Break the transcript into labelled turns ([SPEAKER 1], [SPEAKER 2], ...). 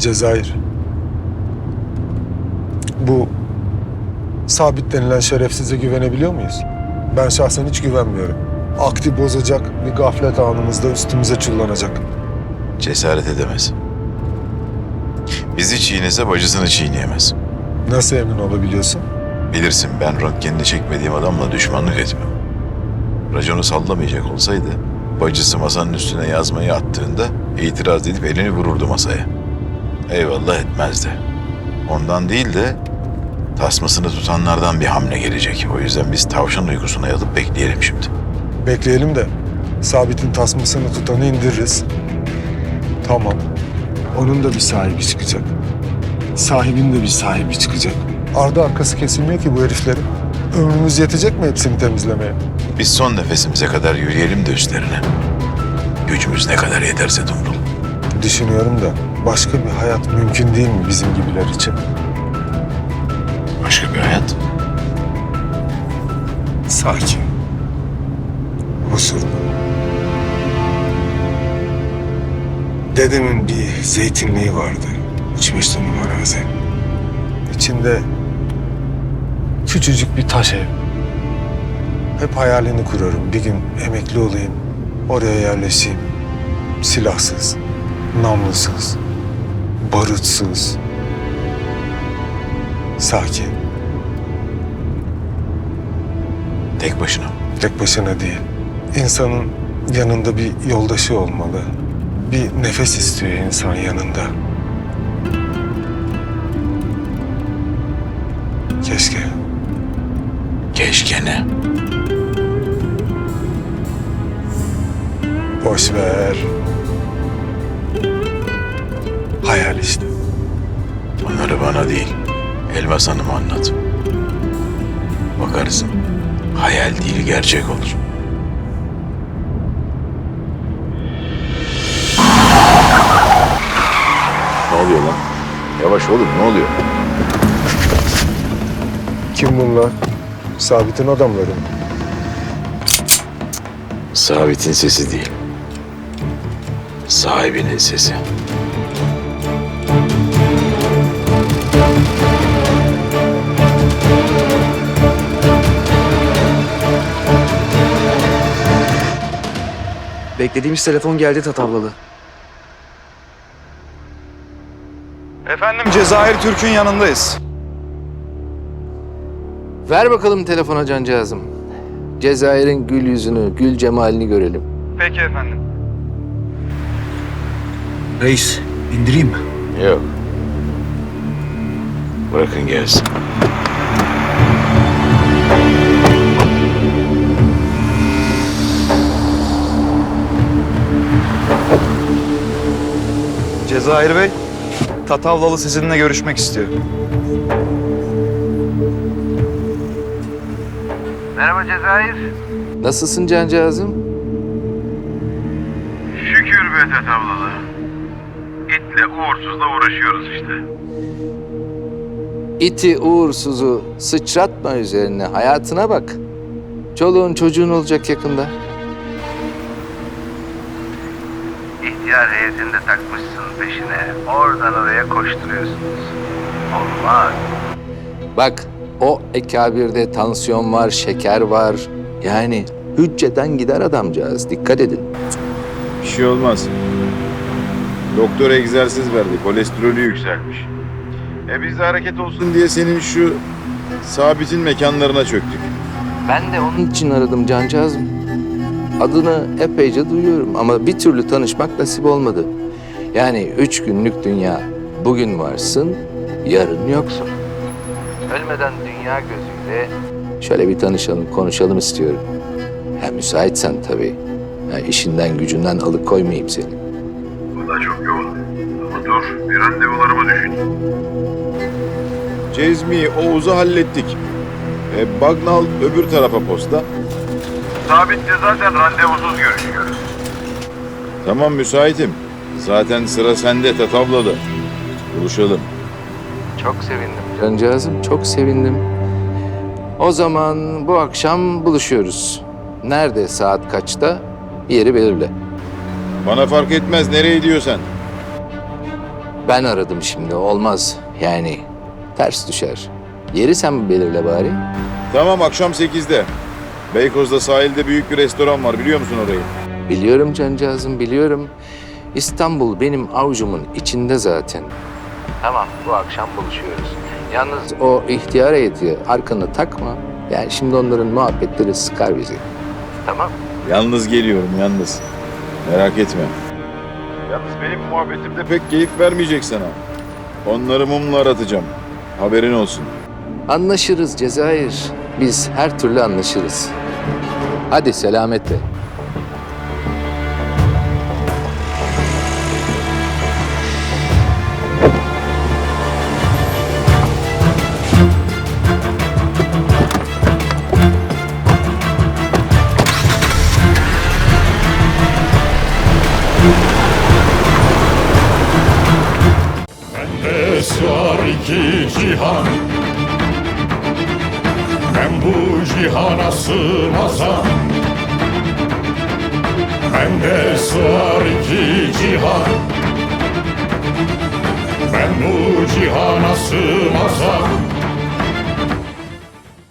[SPEAKER 1] Cezayir. Bu Sabit denilen şerefsize güvenebiliyor muyuz? Ben şahsen hiç güvenmiyorum. Aklı bozacak, bir gaflet anımızda üstümüze çullanacak.
[SPEAKER 2] Cesaret edemez. Bizi çiğnese bacısını çiğneyemez.
[SPEAKER 1] Nasıl emin olabiliyorsun?
[SPEAKER 2] Bilirsin ben röntgenini çekmediğim adamla düşmanlık etmem. Raconu sallamayacak olsaydı bacısı masanın üstüne yazmayı attığında itiraz edip elini vururdu masaya. Eyvallah etmezdi. Ondan değil de tasmasını tutanlardan bir hamle gelecek. O yüzden biz tavşan uykusuna yatıp bekleyelim şimdi.
[SPEAKER 1] Bekleyelim de Sabit'in tasmasını tutanı indiririz. Tamam. Onun da bir sahibi çıkacak. Sahibin de bir sahibi çıkacak. Ardı arkası kesilmiyor ki bu heriflerin. Ömrümüz yetecek mi hepsini temizlemeye?
[SPEAKER 2] Biz son nefesimize kadar yürüyelim de üstlerine. Gücümüz ne kadar yeterse Dumrul.
[SPEAKER 1] Düşünüyorum da başka bir hayat mümkün değil mi bizim gibiler için?
[SPEAKER 2] Başka bir hayat.
[SPEAKER 1] Sakin. Huzurlu. Dedemin bir zeytinliği vardı. 3-5 numara arazi. İçinde küçücük bir taş ev. Hep hayalini kurarım. Bir gün emekli olayım, oraya yerleşeyim. Silahsız, namlusuz, barutsuz. Sakin.
[SPEAKER 2] Tek başına.
[SPEAKER 1] Tek başına değil. İnsanın yanında bir yoldaşı olmalı. Bir nefes istiyor insan yanında. Keşke.
[SPEAKER 2] Keşke ne?
[SPEAKER 1] Boş ver. Hayal işte.
[SPEAKER 2] Onları bana değil, Elmas Hanım'a anlat. Bakarsın, hayal değil gerçek olur. Ne oluyor lan? Yavaş oğlum, ne oluyor?
[SPEAKER 1] Kim bunlar? Sabit'in adamları mı?
[SPEAKER 2] Sabit'in sesi değil, sahibinin sesi.
[SPEAKER 3] Beklediğimiz telefon geldi Tatavlalı.
[SPEAKER 4] Efendim Cezayir Türk'ün yanındayız.
[SPEAKER 3] Ver bakalım telefona cancağızım. Cezayir'in gül yüzünü, gül cemalini görelim.
[SPEAKER 4] Peki efendim.
[SPEAKER 5] Reis, indireyim mi?
[SPEAKER 2] Yok. Bırakın gelsin.
[SPEAKER 4] Cezayir Bey, Tatavlalı sizinle görüşmek istiyor.
[SPEAKER 6] Merhaba Cezayir.
[SPEAKER 3] Nasılsın cancağızım?
[SPEAKER 6] Şükür be Tatavlalı. İtle uğursuzla uğraşıyoruz işte.
[SPEAKER 3] İti uğursuzu sıçratma üzerine, hayatına bak. Çoluğun çocuğun olacak yakında.
[SPEAKER 6] İhtiyar heyetini de takmışsın peşine. Oradan oraya koşturuyorsunuz. Olmaz.
[SPEAKER 3] Bak, o ekabirde tansiyon var, şeker var. Yani hücceden gider adamcağız, dikkat edin.
[SPEAKER 7] Bir şey olmaz. Doktor egzersiz verdi. Kolesterolü yükselmiş. Biz de hareket olsun diye senin şu Sabit'in mekanlarına çöktük.
[SPEAKER 3] Ben de onun için aradım cancağızım. Adını epeyce duyuyorum ama bir türlü tanışmak nasip olmadı. Yani 3 günlük dünya. Bugün varsın, yarın yoksun. Ölmeden dünya gözüyle şöyle bir tanışalım, konuşalım istiyorum. Ha, müsaitsen tabii. Ha, işinden gücünden alıkoymayayım seni.
[SPEAKER 6] Bu da çok yoğun. Ama dur bir randevularımı düşün.
[SPEAKER 7] Cezmi, Oğuz'u hallettik. Bagnal öbür tarafa posta.
[SPEAKER 6] Sabit'le zaten randevusuz görüşüyoruz.
[SPEAKER 7] Tamam müsaitim. Zaten sıra sende Tatavlalı. Buluşalım.
[SPEAKER 3] Çok sevindim. Cancağızım çok sevindim. O zaman bu akşam buluşuyoruz. Nerede, saat kaçta? Bir yeri belirle.
[SPEAKER 7] Bana fark etmez nereye diyorsan.
[SPEAKER 3] Ben aradım şimdi. Olmaz. Yani ters düşer. Yeri sen belirle bari.
[SPEAKER 7] Tamam, akşam 8'de. Beykoz'da sahilde büyük bir restoran var, biliyor musun orayı?
[SPEAKER 3] Biliyorum cancağızım, biliyorum. İstanbul benim avucumun içinde zaten. Tamam, bu akşam buluşuyoruz. Yalnız o ihtiyar heyeti arkana takma. Yani şimdi onların muhabbetleri sıkar bizi. Tamam.
[SPEAKER 7] Yalnız geliyorum, yalnız. Merak etme. Yalnız benim muhabbetim de pek keyif vermeyecek sana. Onları mumla aratacağım. Haberin olsun.
[SPEAKER 3] Anlaşırız Cezayir. Biz her türlü anlaşırız. Hadi selametle.
[SPEAKER 8] Bende sığar iki cihan, ben bu cihana sığmazam. Bende sığar iki cihan, ben bu cihana sığmazam.